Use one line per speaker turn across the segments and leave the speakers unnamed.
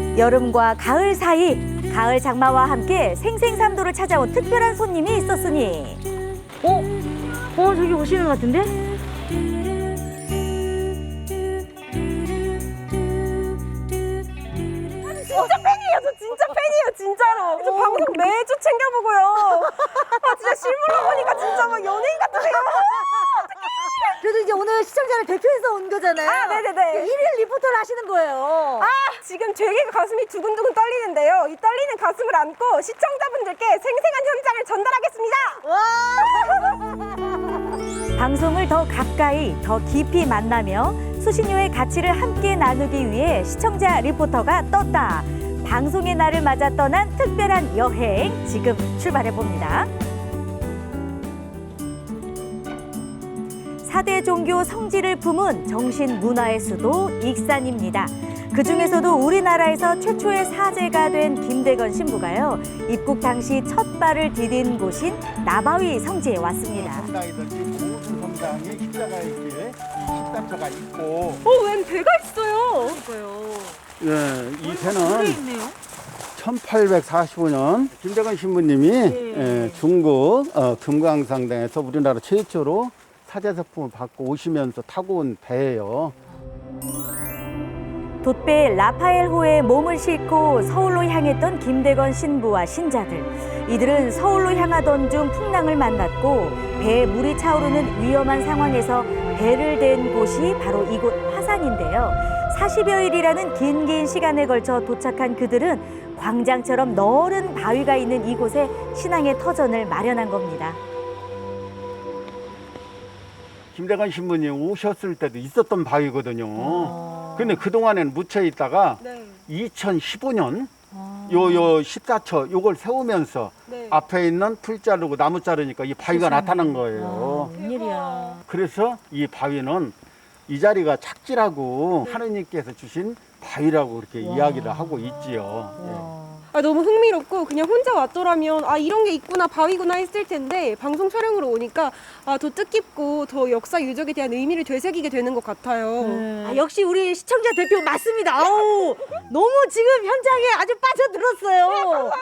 여름과 가을 사이, 가을 장마와 함께 생생삼도를 찾아온 특별한 손님이 있었으니. 저기 오시는 것 같은데?
진짜 팬이에요. 저 진짜 팬이에요. 진짜로. 저 방송 매주 챙겨보고요. 아 진짜 실물로 보니까 진짜 막 연예인 같으세요.
그래도 이제 오늘 시청자를 대표해서 온 거잖아요.
아 네네네.
일일 리포터를 하시는 거예요.
아 지금 되게 가슴이 두근두근 떨리는데요. 이 떨리는 가슴을 안고 시청자분들께 생생한 현장을 전달하겠습니다.
방송을 더 가까이, 더 깊이 만나며 수신료의 가치를 함께 나누기 위해 시청자 리포터가 떴다. 방송의 날을 맞아 떠난 특별한 여행, 지금 출발해봅니다. 4대 종교 성지를 품은 정신 문화의 수도 익산입니다. 그중에서도 우리나라에서 최초의 사제가 된 김대건 신부가요, 입국 당시 첫 발을 디딘 곳인 나바위 성지에 왔습니다.
성당이든지 모든 성당에 십자가 이렇게 십자처가 있고.
웬 배가 있어요.
예, 이 배는 1845년 김대건 신부님이 중국 금강상당에서 우리나라 최초로 사제서품을 받고 오시면서 타고 온 배예요.
돛배 라파엘호에 몸을 싣고 서울로 향했던 김대건 신부와 신자들. 이들은 서울로 향하던 중 풍랑을 만났고 배에 물이 차오르는 위험한 상황에서 배를 댄 곳이 바로 이곳 화산인데요. 40여일이라는 긴 시간에 걸쳐 도착한 그들은 광장처럼 넓은 바위가 있는 이곳에 신앙의 터전을 마련한 겁니다.
김대건 신부님 오셨을 때도 있었던 바위거든요. 근데 그동안에는 묻혀 있다가 2015년 요 14처 요걸 세우면서 앞에 있는 풀 자르고 나무 자르니까 이 바위가 나타난 거예요.
웬일이야.
그래서 이 바위는 이 자리가 착지라고 하느님께서 주신 바위라고 그렇게 이야기를 하고 있지요.
아 너무 흥미롭고 그냥 혼자 왔더라면 아 이런 게 있구나 바위구나 했을 텐데 방송 촬영으로 오니까 아 더 뜻깊고 더 역사 유적에 대한 의미를 되새기게 되는 것 같아요.
역시 우리 시청자 대표 맞습니다. 아우, 너무 지금 현장에 아주 빠져들었어요.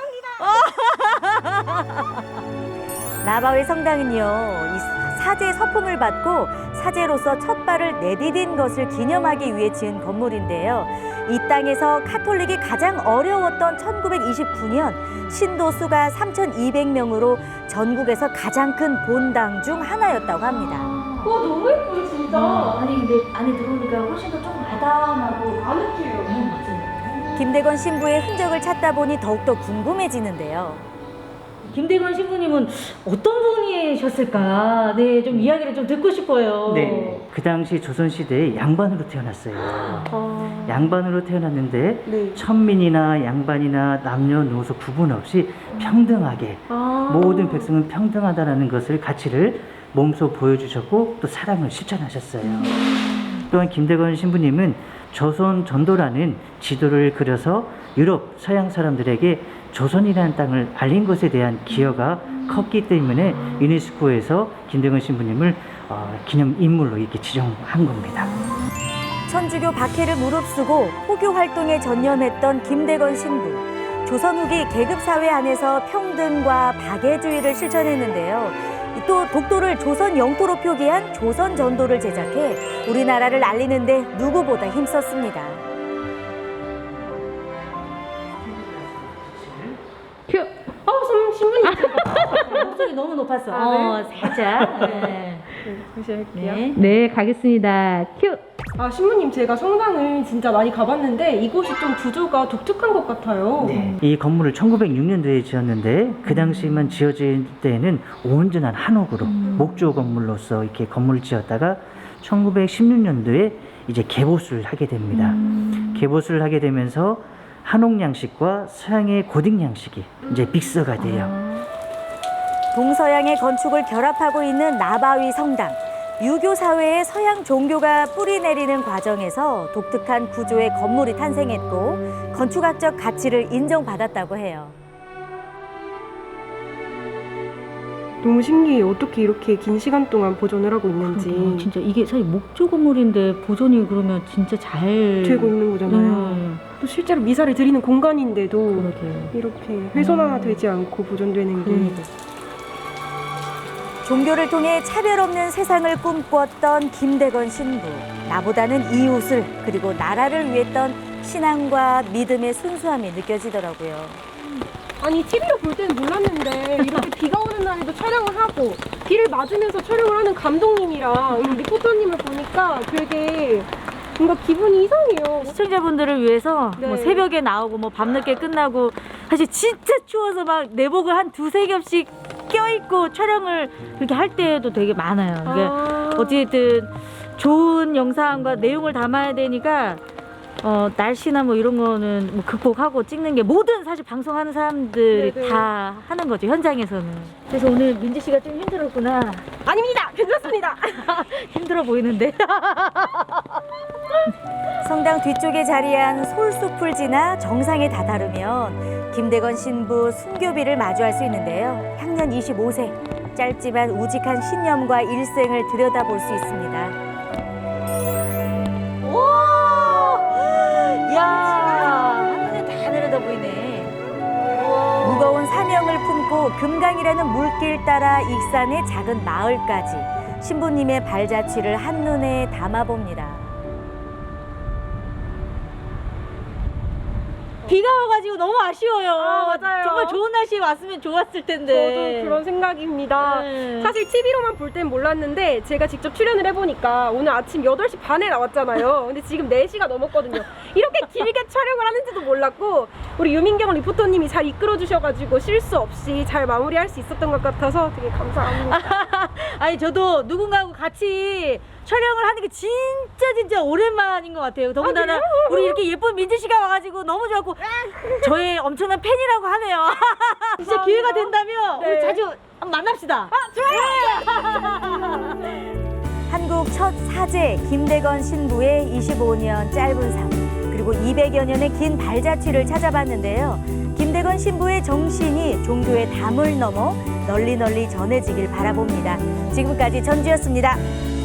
감사합니다. 나바위 성당은요, 이 사제 서품을 받고 사제로서 첫 발을 내디딘 것을 기념하기 위해 지은 건물인데요. 이 땅에서 카톨릭이 가장 어려웠던 1929년 신도 수가 3,200명으로 전국에서 가장 큰 본당 중 하나였다고 합니다.
와 너무 예뻐요 진짜.
아니 근데 안에 들어오니까 훨씬 더 좀 아담하고
아늑해요.
맞아요. 김대건 신부의 흔적을 찾다 보니 더욱더 궁금해지는데요. 김대건 신부님은 어떤 분이셨을까? 네, 좀 이야기를 좀 듣고 싶어요.
네, 그 당시 조선시대에 양반으로 태어났어요. 양반으로 태어났는데
네.
천민이나 양반이나 남녀노소 구분 없이 평등하게 모든 백성은 평등하다는 것을 가치를 몸소 보여주셨고 또 사랑을 실천하셨어요. 또한 김대건 신부님은 조선 전도라는 지도를 그려서 유럽 서양 사람들에게 조선이라는 땅을 알린 것에 대한 기여가 컸기 때문에 유네스코에서 김대건 신부님을 기념 인물로 이렇게 지정한 겁니다.
천주교 박해를 무릅쓰고 포교 활동에 전념했던 김대건 신부. 조선 후기 계급사회 안에서 평등과 박애주의를 실천했는데요. 또 독도를 조선 영토로 표기한 조선 전도를 제작해 우리나라를 알리는데 누구보다 힘썼습니다.
큐. 신부님.
목소리 너무 높았어. 살짝. 네.
다시 할게요.
네.
네, 가겠습니다. 큐. 아, 신부님 제가 성당을 진짜 많이 가봤는데 이곳이 좀 구조가 독특한 것 같아요.
이 건물을 1906년도에 지었는데 그 당시만 지어질 때는 온전한 한옥으로 목조 건물로서 이렇게 건물을 지었다가 1916년도에 이제 개보수를 하게 됩니다. 개보수를 하게 되면서 한옥 양식과 서양의 고딕 양식이 이제 믹서가 돼요.
동서양의 건축을 결합하고 있는 나바위 성당. 유교 사회에 서양 종교가 뿌리 내리는 과정에서 독특한 구조의 건물이 탄생했고 건축학적 가치를 인정받았다고 해요.
너무 신기해요. 어떻게 이렇게 긴 시간 동안 보존을 하고 있는지.
진짜 이게 사실 목조 건물인데 보존이 그러면 진짜 잘
되고 있는 거잖아요.
또
실제로 미사를 드리는 공간인데도
그러게요.
이렇게 훼손하되지 않고 보존되는 게
그러니까. 종교를 통해 차별 없는 세상을 꿈꿨던 김대건 신부. 나보다는 이웃을 그리고 나라를 위했던 신앙과 믿음의 순수함이 느껴지더라고요.
아니 TV로 볼 때는 몰랐는데 이렇게 비가 오는 날에도 촬영을 하고 비를 맞으면서 촬영을 하는 감독님이랑 이 리포터님을 보니까 되게 뭔가 기분이 이상해요.
시청자분들을 위해서
네.
뭐 새벽에 나오고 뭐 밤늦게 끝나고 사실 진짜 추워서 막 내복을 한 두세 겹씩 껴입고 촬영을 그렇게 할 때도 되게 많아요. 이게 어쨌든 좋은 영상과 내용을 담아야 되니까 날씨나 뭐 이런 거는 뭐 극복하고 찍는 게 모든 사실 방송하는 사람들이
네네.
다 하는 거죠, 현장에서는. 그래서 오늘 민지 씨가 좀 힘들었구나.
아닙니다. 괜찮습니다.
힘들어 보이는데. 성당 뒤쪽에 자리한 솔숲을 지나 정상에 다다르면 김대건 신부 순교비를 마주할 수 있는데요. 향년 25세, 짧지만 우직한 신념과 일생을 들여다볼 수 있습니다. 오! 야, 한눈에 다 내려다 보이네. 무거운 사명을 품고 금강이라는 물길 따라 익산의 작은 마을까지 신부님의 발자취를 한눈에 담아봅니다. 비가 와가지고 너무 아쉬워요.
맞아요.
정말 좋은 날씨에 왔으면 좋았을 텐데.
저도 그런 생각입니다.
네.
사실 TV로만 볼 땐 몰랐는데 제가 직접 출연을 해보니까 오늘 아침 8시 반에 나왔잖아요. 근데 지금 4시가 넘었거든요. 이렇게 길게 촬영을 하는지도 몰랐고 우리 유민경 리포터님이 잘 이끌어주셔가지고 실수 없이 잘 마무리할 수 있었던 것 같아서 되게 감사합니다.
아니 저도 누군가하고 같이 촬영을 하는 게 진짜 오랜만인 것 같아요. 더군다나 우리 이렇게 예쁜 민지 씨가 와가지고 너무 좋았고 저의 엄청난 팬이라고 하네요. 진짜 기회가 된다면 우리
네.
자주 만납시다. 좋아요. 한국 첫 사제 김대건 신부의 25년 짧은 삶 그리고 200여 년의 긴 발자취를 찾아봤는데요. 김대건 신부의 정신이 종교의 담을 넘어 널리 전해지길 바라봅니다. 지금까지 전주였습니다.